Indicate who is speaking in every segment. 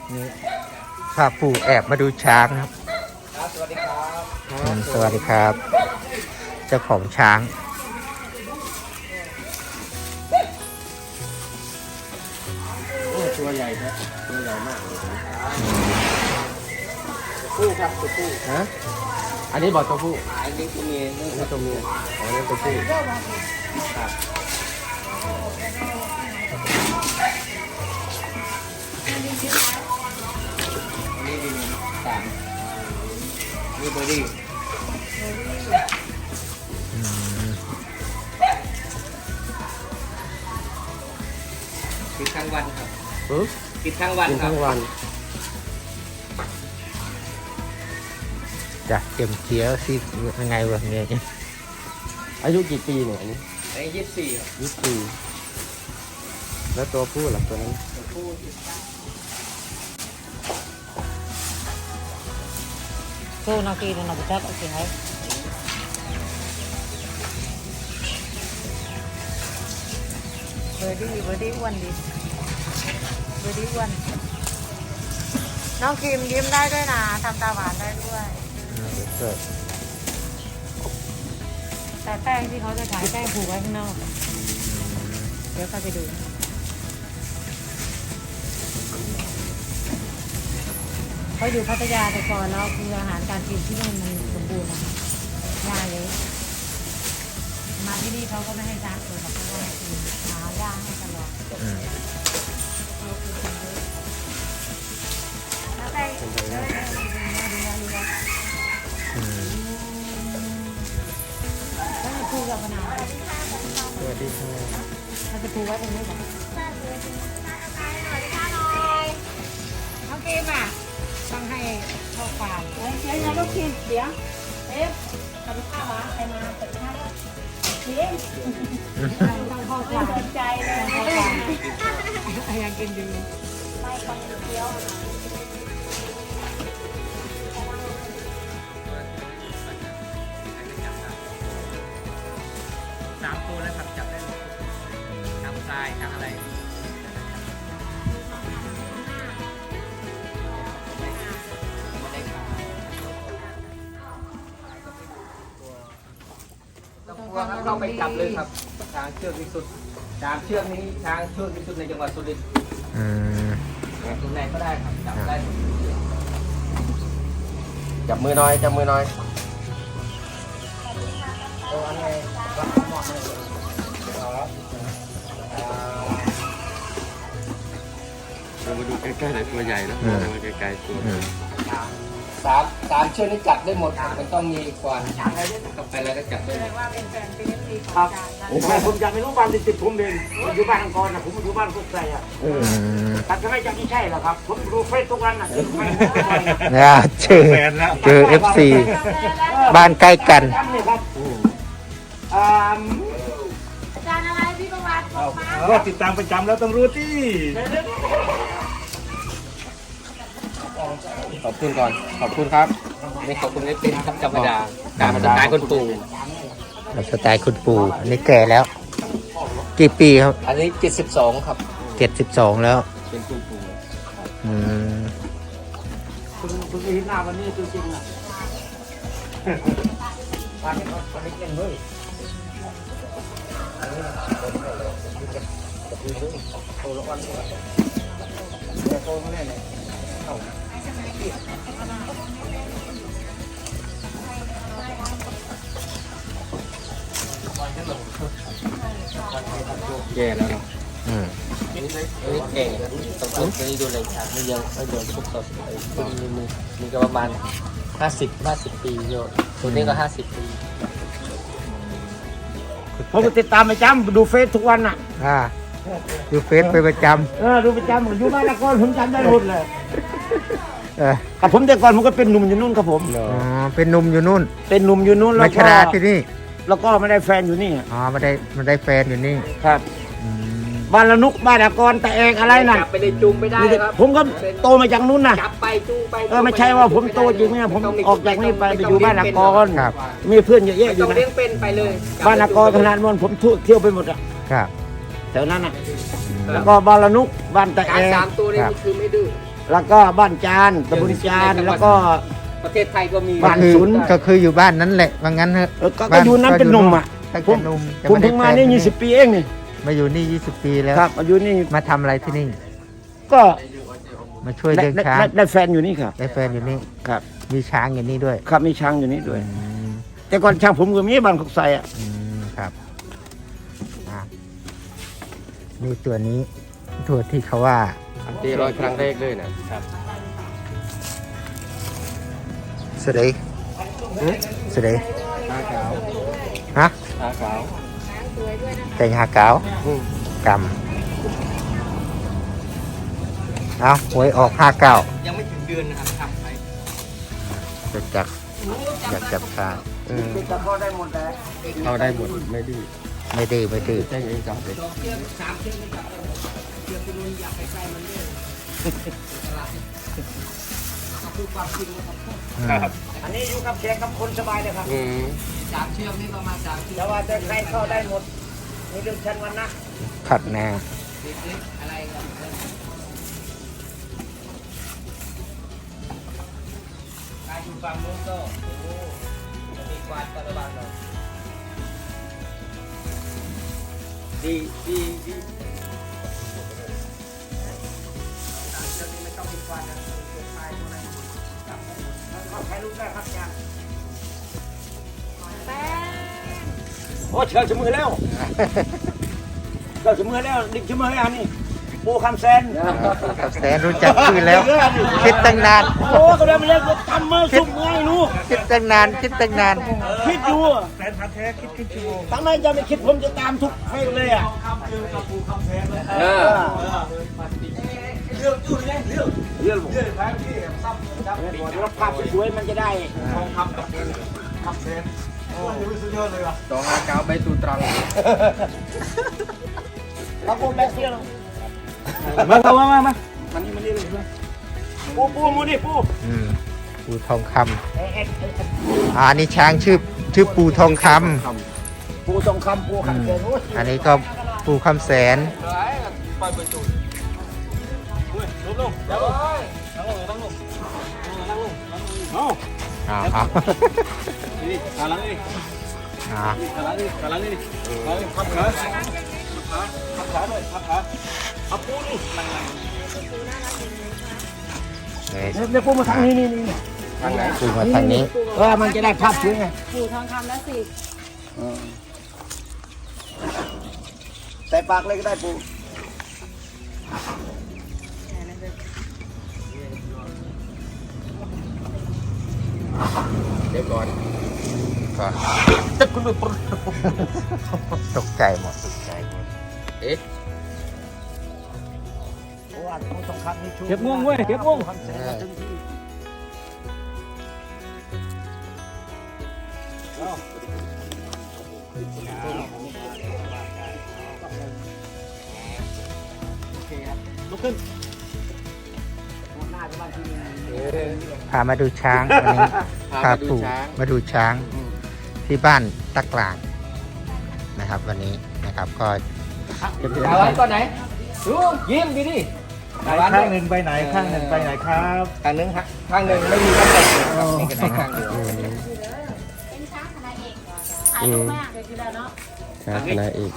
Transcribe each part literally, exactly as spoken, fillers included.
Speaker 1: นี่พาปู่แอบมาดูช้างครับ
Speaker 2: สวัสดีครับ
Speaker 1: อืมสวัสดีครับ เจ้าของช้าง
Speaker 2: โอ้ตัวใหญ่ครับตัวใหญ่มากเลยตัวผู้ครับตัวผู้ฮะอันนี้บอกตัวผู้อันนี้ตัวเมียนี่คือตัวเมียอ๋อนี่ตัวผู้ครับนี่ดีสามนี่เบอร์ดี้ปิดทั้งวันครับปิดทั้งวันครับ
Speaker 1: จะเต็มเขียวสิยังไงวะเนี่ย
Speaker 2: อายุกี่ปีเนี่ยอันนี้อายุยี่สิบสี่ครับยี่สิบสี่แล้วตัวผู้หลักตัวนั้นตัวผู้
Speaker 3: โซ่นากีนนาบุตรโอเคไหมเบอร์ดี้เบอร์ดี้อ้วนดิเบอร์ดี้อ้วนน้องคิมยิ้มได้ด้วยนะทำตาหวานได้ด้วยแต่แป้งที่เขาจะขายแป้งผูกไว้ข้างนอกเดี๋ยวเขาไปดูเขาอยู่พัทยาแต่ก่อนแล้วคืออาหารการกินที่นู่นมันสมบูรณ์นะคะยาเยอะมาที่นี่เขาก็ไม่ให้จ้างเลยเขาก็ให้กินหาย่าให้ตลอดแล้วไปเดินดูดูดูดูแล้วจะพูดกับมะนาวสวัสดีค่ะเราจะพูดไว้ตรงนี้ก่อนน้องเกมอ่ะต้องให้ข้าวฟ่างเดี๋ยวเดี๋ยวลูกคิมเดี๋ยวเอ๊ะทำข้าวมาใครมาเปิดข้าวคิมต้องข้าวฟ่างสนใจเลยอยากกินดีไม่คนเดียว
Speaker 2: สามตัวแล้วครับจับได้ทำทรายทำอะไรเข้าไปจับเลยครับช้างเชือกที่สุดช้างเชือกนี้ช้างเชือกที่สุดในจังหวัดสุรินทร์ตรงไหนก็ได้ครับจับได้จับมือน้อยจับมือน้อยโอ้อันไหนรับหมดเลยเรามาดูใกล้ๆหน่อยตัวใหญ่นะมาใกล้ๆตัวสามสามเชือกนี้จับได้หมดมันต้องมีกว่ากับไปแล้วก็จับได้ว่าเป็นแฟนเป็นทีครับผมผมอยากไม่รู้บ้านติดผมเองผมอยู่บ้านอังกอร์นะผมอยู่บ้านกุ๊กไก่อ่ะแต่ทำไมจะไม่ใช่หรอครับผมดูเฟซทุกวันนะ
Speaker 1: เนี่ยเจอเจอเอฟซีบ้านใกล้กัน
Speaker 3: อาจารย์อะไรพี่ประวัติบอกมา
Speaker 4: ก็ติดตามประจำแล้วต้องรู้ที่
Speaker 2: ขอบคุณก่อนขอบคุณครับนี่ขอบคุณได้เป็นครับธรรมดาการสไตล์คนปู่
Speaker 1: สไตล์คุณปู่อันนี้แก่แล้วกี่ปีครับ
Speaker 2: อันนี้เจ็ดสิบสองครับ
Speaker 1: เจ็ดสิบสองแล้ว
Speaker 2: เป็นคุณปู่
Speaker 1: อืม
Speaker 4: คุณคุณเห็นหน้าวันนี้ตัวจริงนะวันนี้วันนี้เล่นเลยโอ้ละวันเดี๋ยวโตมาแน่เลยแก่แล้วเนาะ
Speaker 1: อืม
Speaker 2: นี่แก่ต้องต้องนี่ดูเลยครับไม่ยังไม่โดนทุกตัวมีมีมีก็ประมาณห้าสิบห้าสิบปีโยตัวนี้ก็ห้าสิบปี
Speaker 4: ผมติดตามประจำดูเฟซทุกวันน่ะ
Speaker 1: อ่าดูเฟซไปประจ
Speaker 4: ำเออดูประจำอยู่บ้านละก่อนผมจำได้หมดเลย
Speaker 1: เออ
Speaker 4: กับผมแต่ก่อนผมก็เป็นหนุ่มอยู่นู่นครับผม
Speaker 1: อ๋อเป็นหนุ่มอยู่นู่น
Speaker 4: เป็นหนุ่มอยู่นู่นแล้ว
Speaker 1: ก็มาที่นี่
Speaker 4: แล้วก็ไม่ได้แฟนอยู่นี่
Speaker 1: อ๋อไม่ได้ไม่ได้แฟนอยู่นี่
Speaker 4: ครับบ้านละนุกบ้านละกรแต่เองอะไรน่ะ
Speaker 2: จับไปเลยจูงไม่ได้ครับ
Speaker 4: ผมก็โตมาจากนู้นน่ะ
Speaker 2: จับไปจูงไป
Speaker 4: เออไม่ใช่ว่าผมโตจริงเนี่ยผมออกจากนี่ไปไปอยู่บ้านละกร
Speaker 1: ครับ
Speaker 4: มีเพื่อนเยอะแยะอยู่นะ
Speaker 2: ต้องเลี้ยงเป็นไปเลย
Speaker 4: บ้านละกรขนาดนั้นผมเที่ยวไปหมดอ่ะ
Speaker 1: ครับ
Speaker 4: แถวนั้นน่ะแล้วก็บ้านละนุกบ้านแต่เอง
Speaker 2: สามตัวนี้คือไม่ดื้อ
Speaker 4: แล้วก็บ้านจานตำบลจานแล้วก็
Speaker 2: ประเทศไทยก็มี
Speaker 4: บ้าน
Speaker 1: คือ
Speaker 4: ศูนย์
Speaker 1: ก็คืออยู่บ้านนั้นแหละว่างั้นเถอะ
Speaker 4: เออก็ก็อยู่นั้นเป็นหนุ่มอ่ะ
Speaker 1: ตั้ง
Speaker 4: ผ
Speaker 1: แต่
Speaker 4: ม
Speaker 1: หนุ่ม
Speaker 4: ผมเพิ่งมานี่ยี่สิบปีเองนี่
Speaker 1: มาอยู่นี่ยี่สิบปีแล้ว
Speaker 4: ครับอายุนี่
Speaker 1: มาทำอะไรที่นี่
Speaker 4: ก็
Speaker 1: มาช่วย
Speaker 4: ได้
Speaker 1: เลี้ยง
Speaker 4: ได้
Speaker 1: ช้าง
Speaker 4: ได้ได้แฟนอยู่นี่ครับ
Speaker 1: ได้แฟนอยู่นี่
Speaker 4: ครับ
Speaker 1: มีช้างอยู่นี่ด้วย
Speaker 4: ครับมีช้างอยู่นี่ด้วย
Speaker 1: อืม
Speaker 4: แต่ก่อนช้างผมก็มีบ้านขกใส่อ่ะ
Speaker 1: อืมครับอ่ะนี่ตัวนี้ตัวที่เขาว่า
Speaker 2: ตีร้อยครั้งแรกเลยนะครับ
Speaker 1: สเดยสเดย
Speaker 2: หาขาว
Speaker 1: ฮะ
Speaker 2: หาขาว
Speaker 1: แต่งหาเกาวกำเอาหวยออกห้าเก้า
Speaker 2: ยังไม่ถึงเดือนนะครับทำไป
Speaker 1: จะจับอยากจับช้าง
Speaker 2: เออ
Speaker 4: จะพอได้หมดแล้ว
Speaker 2: เขาได้หมดไม่ดื้อ
Speaker 1: ไม่ดื้อไม่ดื้อ
Speaker 2: แจ้งเองจับเลย
Speaker 1: อืม
Speaker 4: อันนี้อยู่กับแขกกับคนสบายเลยครับ
Speaker 2: อืม
Speaker 3: สามเชือกนี่ประมาณสามเชือก
Speaker 4: แต่ว่าจะใครเข้าได้หมดนี่เรื่องชั้นวันนะ
Speaker 1: ขัดแนว
Speaker 3: เล็กๆอะไรกัน
Speaker 2: การอยู่ฝั่งนู้นก็โอ้มีควานก็ระวังหน่อยดีดีดี
Speaker 4: ถ่ายรูปได้ครับอาจารย์
Speaker 3: แป้ง
Speaker 4: โอ้เชิญสมือแล้วเชิญสมือแล้วดิสมือแล้วนี่ปูคำแซน
Speaker 1: ครับแสนรู้จักชื่อแล้ว คิดตั้งนาน
Speaker 4: โอ้ก็ได้มาเรียกทำมือสุ่มไงรู้
Speaker 1: คิดตั้งนาน คิดตั้งนาน
Speaker 4: คิดอยู่แฟนพันธ์แท้คิดคิดชั่วโมงตั้งไหนจะไม่คิดผมจะตามทุกเพลงเลยอ่ะ
Speaker 2: เออ
Speaker 4: เรื่องอยู่เลยเรื่องเรื่องเรื่องครับที่ซ้ำแล้วภาพสวยมันจะได้ทองคำกับคำแซนโอ้ยสุดยอดเลยว่ะ
Speaker 2: ดองอาเกาใบตูตรัง
Speaker 4: เราปูแบกเสียแล้วมาเข้ามามามามันนี่มันนี่เลยปูปูมูนี่ปู
Speaker 1: อืมปูทองค
Speaker 4: เอ๊ะเอ๊ะเอ๊ะ
Speaker 1: ำอ่าอันนี้ช้างชื่อชื่อปูทองคำ
Speaker 4: ปูทองคำปู
Speaker 1: อื
Speaker 4: คำ
Speaker 1: ม
Speaker 4: แซนโอ้ย
Speaker 1: อันนี้ก็ปูคำแสน
Speaker 2: ปล่อยใบตู
Speaker 4: ลงลงแล้วลงนั่งลงนั่งลงนั่งลงเอา
Speaker 1: อ่าเอา
Speaker 4: นี่ขาหลังนี่
Speaker 1: อ่า
Speaker 4: ขาหลังนี่ขาหลังนี่ขาหลังพับขาพับขาด้วยพับขาเอาปูนี่
Speaker 1: เลย
Speaker 4: เนี่ยปูมาทางนี้นี่นี่
Speaker 2: ทางไหน
Speaker 1: ปูมาทางนี้
Speaker 4: เออมันจะได้ภาพสวยไง
Speaker 3: ปู่ทองคำแล้วสิ
Speaker 4: ใส่ปากเลยก็ได้ปู
Speaker 2: เดี๋ยวก่อน
Speaker 1: ก็ ตกใจหมด
Speaker 2: เอ๊ะ
Speaker 4: เก็บง่วงเว้ยเก็บง่วง ลุกขึ้น
Speaker 1: พามาดูช้างวันนี้พาปู่มาดูช้างที่บ้านตะกลางนะครับ วันนี้นะครับก็
Speaker 2: ตาวันก่อนไหนดูยิ้มดีดิตาวัน
Speaker 4: ข้างหนึ่งไปไหนข้างหนึ่งไปไหนครับ
Speaker 2: ข้างหนึ่งฮะข้างหนึ่งไม่มีข้างไหนครับมีกันไหนข้างเดียว
Speaker 3: เป็นช้างคณะเอกถ่ายรูปมากเลยทีเดียวเนาะ
Speaker 2: ข้างไหนอีก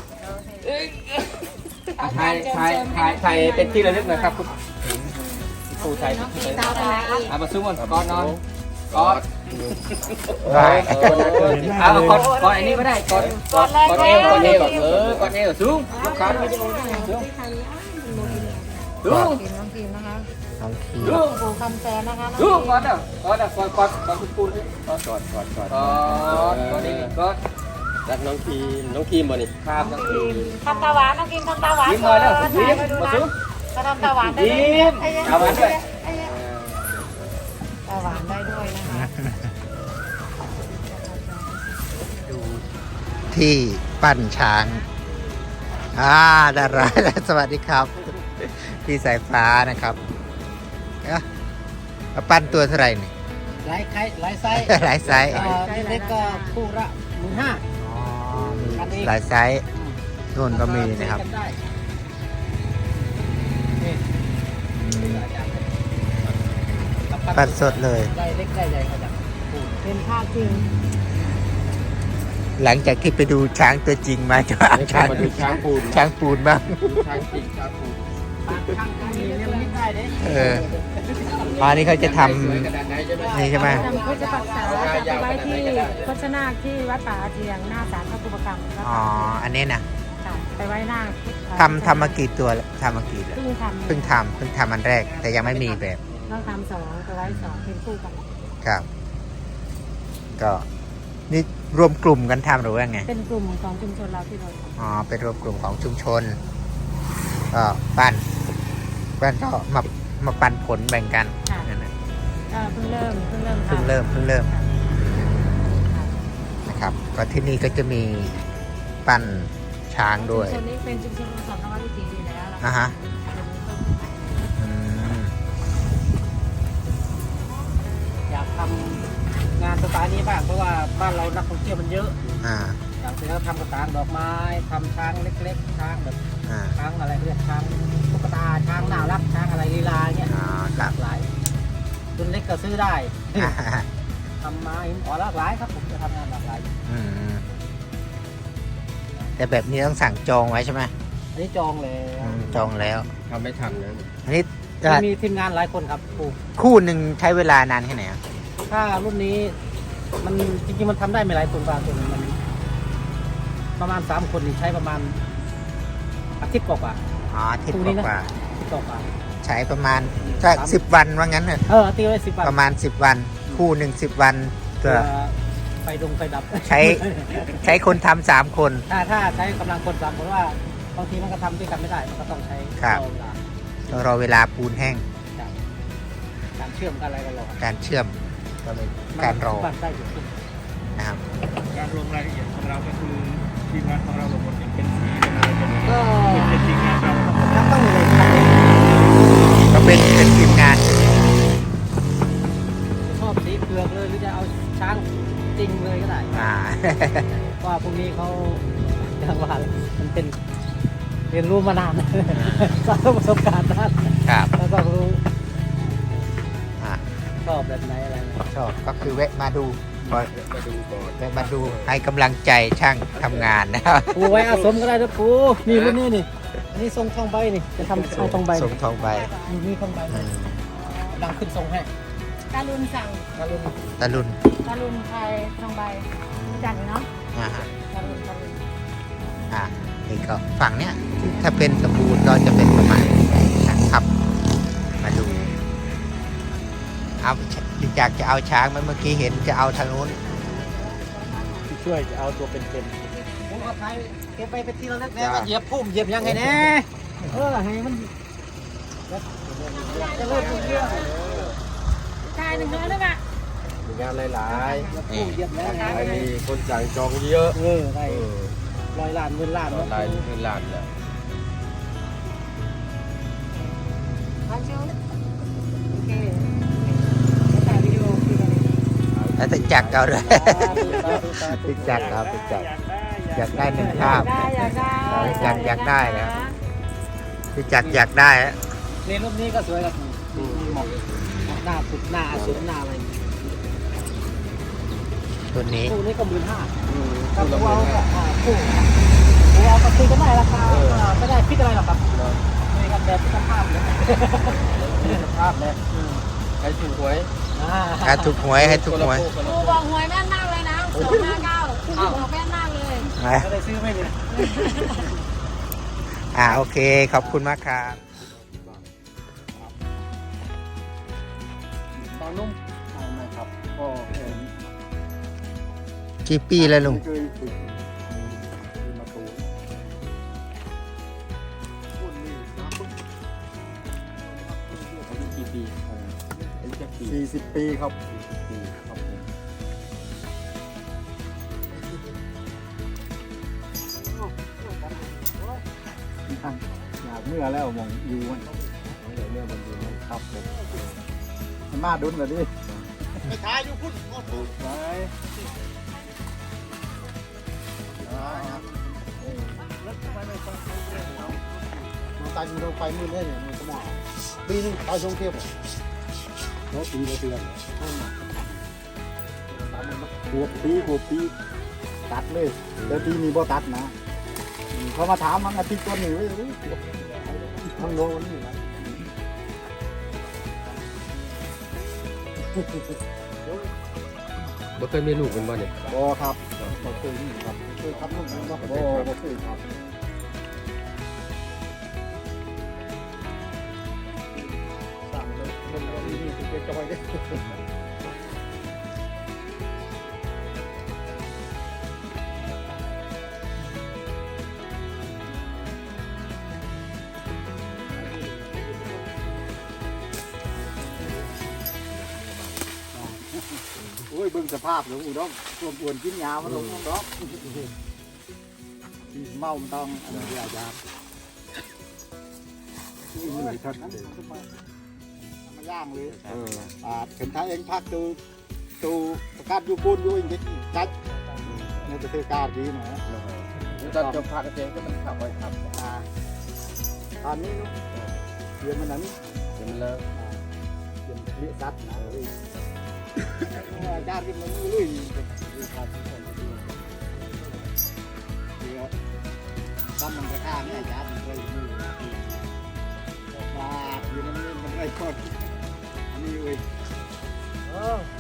Speaker 2: ถ่ายถ่ายถ่ายถ่ายเป็นที่ระลึกหนะครับคุณผู้ถ่าย
Speaker 3: น้องพีสาวคณะเอก
Speaker 2: เอามาซุ้มก่อนก่อนนอนก่อน
Speaker 1: ได้
Speaker 2: เอาก่อนก่อนอันนี้ก็ได้ก่อนก่อนก่อนเอวก่อนเอวเออก่อนเอวซุ้มลูกค้า
Speaker 3: วิดีโอด้วยนะที่ทางนี้อ้าวมันโมดิน
Speaker 2: ซุ้ม
Speaker 3: น้องพิมนะคะ
Speaker 1: น้องขี
Speaker 2: ซุ้ม
Speaker 3: ปู่คำแสนนะคะน้อง
Speaker 2: ซุ้ม
Speaker 3: พิม
Speaker 2: ก่อนเด้อก่อนเด้อก่อนก่อนก่อนคุณปูนก่อนก่อนก่อนก่อนก่อนก่อนนี่ก่อนรักน้องทีมน้องทีมบ่นี่ครับน้องทีม
Speaker 3: ทำตาหวานน้องพิมทำตาหวาน
Speaker 2: ยิ้มหน่อยเด้อ
Speaker 3: ถ่าย
Speaker 2: ยิ้ม
Speaker 3: ไปดู
Speaker 2: มา
Speaker 3: นะ
Speaker 2: ซุ้ม
Speaker 3: จะทำตาหวานได้
Speaker 2: ยิ้มตาหวานด้วย
Speaker 3: ตาหวานได้ด้วยนะคะ
Speaker 1: ดูที่ปั้นช้างอ่าดาราสวัสดีครับ พี่สายฟ้านะครับเอ๊ะเอาปั้นตัวเท่าไหร่นี่
Speaker 4: หลายไข่หลายไซส์
Speaker 1: หลายไซส์
Speaker 4: เล็กก็คู่ละหมื่นห้า
Speaker 1: อ๋อมีหลายไซส์นู่นก็มีนะครับ
Speaker 4: ได้
Speaker 1: อปั่นสดเลย
Speaker 2: ได้เล็กได้ใหญ่เขาจะปูน
Speaker 3: เป็นภาพจริง
Speaker 1: หลังจากที่ไปดูช้างตัวจริงมาจะเอา
Speaker 2: นี่
Speaker 1: ช้าง
Speaker 2: มาดูช้างปูน
Speaker 1: ช้างปูนบ้าง
Speaker 2: ดูช้างจริงช้างปูน
Speaker 3: ข้างๆนี้เรียกไม่ได้เด้
Speaker 1: เอออ๋อนี่เขาจะทำ
Speaker 2: สวยขนาดไหนใช่ไหม
Speaker 1: นี่ใช่ไหม
Speaker 3: จำพุทธปักษาจะไปไว้ที่โฆษณาที่วัดป่าอาเจียงหน้าศาลพระภูมิกรรมวัด
Speaker 1: อ๋อ
Speaker 3: ป่า
Speaker 1: อันนี้นะ
Speaker 3: ค่ะไปไว้หน้า
Speaker 1: ทำทำมากี่ตัวแล้วทำมากี่แล้ว
Speaker 3: เพิ่งทำ
Speaker 1: เพิ่งทำเพิ่งทำอันแรก แต่ยังไม่มีแบบ
Speaker 3: ต้องทำสองไปไว้สองเป็นคู่กัน
Speaker 1: ครับ ก็นี่รวมกลุ่มกันทำหรือว่าไง
Speaker 3: เป็นกลุ่มของชุมชนเราที่เราท
Speaker 1: อ๋อ เป็นรวมกลุ่มของชุมชน ก็ปั้นปั้นก็มามาปันผลแบ่งกันนั่นนะ
Speaker 3: ำก็เพิ่งเริ่มเพิ่งเริ่มทำ
Speaker 1: เพิ่งเริ่มเพิ่งเริ่ม
Speaker 3: ค่ะค่ะ
Speaker 1: นะครับ ก็ที่นี่ก็จะมีปั้นช้างด้วย
Speaker 3: ชุมชนนี้เป็นชุมชนสอนนวัตวิถีอยู่แล้ว
Speaker 1: อ่าฮะ อืม
Speaker 2: อยากทำงานสไตล์นี้บ้างเพราะว่าบ้านเรานักท่องเที่ยวมันเยอะ
Speaker 1: อ่า
Speaker 2: อยากจะทำกระถางดอกไม้ทำช้างเล็กๆช้างแบบ
Speaker 1: อ่า
Speaker 2: ช้างอะไรเรียกช้างตุ๊กตาช้างน่ารักช้างอะไรลีลาเงี้ย
Speaker 1: อ๋อค
Speaker 2: ห
Speaker 1: รั
Speaker 2: ลา
Speaker 1: บ
Speaker 2: กหลายรุ่นเล็กก็ซื้อได้
Speaker 1: อ่าฮะ
Speaker 2: ทำมาหินอ่อนหลากหลายครับผมจะทำงานหลากหลาย
Speaker 1: อืมแต่แบบนี้ต้องสั่งจองไว้ใช่ไหม
Speaker 2: อันนี้จองแล้ว
Speaker 1: อืมจองแล้ว
Speaker 2: ทำไม่ทันเลย
Speaker 1: อันนี้
Speaker 2: มีทีมงานหลายคนครับครู
Speaker 1: คู่หนึ่งใช้เวลานานแค่ไหนอ่ะ
Speaker 2: ถ้ารุ่นนี้มันจริงๆมันทำได้ไม่หลายคนบางคนมันประมาณสามคนนี่ใช้ประมาณอาทิตย์กว่า
Speaker 1: อ๋ออาทิตย์
Speaker 2: คู่นี้นะ
Speaker 1: กว่า
Speaker 2: ๆอาทิตย์กว่า
Speaker 1: ๆใช้ประมาณถ้าสิบวันว่างั้นเถอะ
Speaker 2: ๆเออตีไว้สิบวัน
Speaker 1: ประมาณสิบวัน คู่หนึ่งสิบวันก็
Speaker 2: เพื่อไฟดงไฟดับ
Speaker 1: ใช้ ใช้คนทำสามคน
Speaker 2: ถ้าถ้าใช้กำลังคนสามคนว่าบางทีมันก็ทำด้วยกันไม่ได้ มันก็ต้องใช้
Speaker 1: ครับ
Speaker 2: เวลา
Speaker 1: ต้องรอเวลาปูนแห้ง
Speaker 2: จากการเชื่อมกันอะไรกันหรอก
Speaker 1: การเชื่อมก็เป็นการรอ
Speaker 2: มันได้อยู่
Speaker 1: นะครับ
Speaker 4: การลงรายละเอียดของเราก็คือทีมงานของเราลงหมดเป็นสีเป็นอะไรเป็น
Speaker 2: ก็
Speaker 4: เป็นทีมงานเรา
Speaker 2: ยังต้องเลยทำเอง
Speaker 1: ก็เป็นเป็นทีมงาน
Speaker 2: ชอบสีเผือกเลยหรือจะเอาช้างจริงเลยก็ได้
Speaker 1: อ่า
Speaker 2: ว่าพวกนี้เขาอย่างว่ามันเป็นเรียนรู้มานาน สร้างประสบการณ์นาน
Speaker 1: ครับ
Speaker 2: แล้วก็รู้
Speaker 1: อ่า
Speaker 2: ชอบแบบไหนอะไรไหน
Speaker 1: ชอบก็คือแวะมาดู
Speaker 2: มาดูก่อน
Speaker 1: แวะมาดูให้กำลังใจช่างทำงานนะครับ
Speaker 2: ปูไว้อาสมก็ได้นะปูนี่รุ่นนี้นี่อันนี้ทรงทองใบนี่จะทำทรงทองใบ
Speaker 1: ส่งทองใบ
Speaker 2: นี่นี่ทองใบ
Speaker 1: อืม
Speaker 2: ดังขึ้นทรงให้
Speaker 3: ตาลุนสั่ง
Speaker 2: แล้วรุ่น
Speaker 1: ตะลุน
Speaker 3: ตาลุนไทยทองใบจันเนาะ
Speaker 1: อ่าฮะ
Speaker 3: ตาลุนตาลุน
Speaker 1: อ่านี่ก็ฝั่งเนี้ยถ้าเป็นสมบูรณ์ก็จะเป็นประมาณนะครับ มาดู เอาอยากจะเอาช้างไหมเมื่อกี้เห็นจะเอาทางนู้น
Speaker 4: ช่วยจะเอาตัวเป็น
Speaker 2: ผมเอาไทยเก็บไปเป็นที่ระลึกแน่ว่าเหยียบพุ่มเหยียบยังไงแน่เออให้มันจะเลิกเรื่อง
Speaker 3: ชายหนึ่งน้อยหรือเปล่า
Speaker 4: มีงานหลาย
Speaker 2: พุ่มเหยียบแล้ว
Speaker 4: ๆไอ้มีคนจ่ายจองเยอะ
Speaker 2: เออได้ร้อยล้านหมื่นล้าน
Speaker 4: ลายเป็นล้านแล้ว
Speaker 3: พันชิวโอเคถ่ายวิดีโอคุยกัน
Speaker 1: แล้วติดจักรเอาด้วย ติดจักรครับติดจักรอยากได้หนึ่งภาพ
Speaker 3: ได้อยากได้
Speaker 1: อยากอยากได้นะ ติดจักรอยากได้อะ
Speaker 2: เรียนรูปนี้ก็สวยครับหมอกหน้าปุดหน้าอสุรหน้าอะไร
Speaker 1: ตัวนี้
Speaker 2: คู่นี้ก็หมื่นห้ากับคู่เอาก็คู่คู่เอาก็คุยกันได้ราคาไม่ได้พิจอะไรหรอกครับคุยกันแบบพิจภาพเลยพิจภาพเลยใครถูกหวย
Speaker 1: ให้ถูกหวยให้ถูกหวย
Speaker 3: ครูบอกหวยแม่นมากเลยนะสองห้าเก้าครูบอกแม่นมากเลย
Speaker 2: ก็เลยซื้อไม่เลย
Speaker 1: อ่าโอเค ขอบคุณมากครับ
Speaker 2: ตอนนุ่ม
Speaker 4: ไม่ครับก็เห็น
Speaker 1: กี่ปีแล้วลุง
Speaker 4: เคยฝึกมาตูนพูดนี่น้ำปึ๊กอายุกี่ปีอายุกี่ปีสี่สิบปีครับสี่สิบปีครับผมอยากเมื่อแล้วมองอยู่มันอยากเมื่อมันอยู่มันครับผมมันมาดุนเลยดิไปถ่ายอยู่พุ่นไปตายอยู่โรงไฟมืดเลยเนี่ยมันสมองปีนึงตายสองเที่ยวเขาปีละเดือนหัวปีหัวปีตัดเลยแต่ปีนี้บ่ตัดนะเขามาถามมันอาทิตย์ต้นนี้เว้ยทั้งโลนี่นะ
Speaker 2: บ่เคยมีลูกเป็นบ่เนี่ย
Speaker 4: บ่ครับบ่เคยนี่ครับเคยทำลูกบ่บ่บ่เคยครับสั่งเลยมันก็มีสิเป็นจอยเด้โอ้ยเบิ่งสภาพหลวงปู่ดอกรวมอวนกินยามันลงดอกเมามันต้องอันนี้ยายาที่นี่ครับมาย่างเลยอ่าเป็นท้ายเองพักดูดูประกาศอยู่ปูนอยู่อย่างนี้จัดในประเทศกาดีหน่อย
Speaker 2: ตอนจบพาเกษตรก็มันขับไว้ครับ
Speaker 4: อ่าตอนนี้เรียนมันนั้น
Speaker 2: เดี๋ยวมันเลิก
Speaker 4: เรียนเรียสัตว์นะเลยญาติมันลุยครับเดี๋ยวตั้มมันกระข้าเนี่ยญาติมันเคยมือมาอยู่นั่นมันไรก่อนอันนี้เว้ย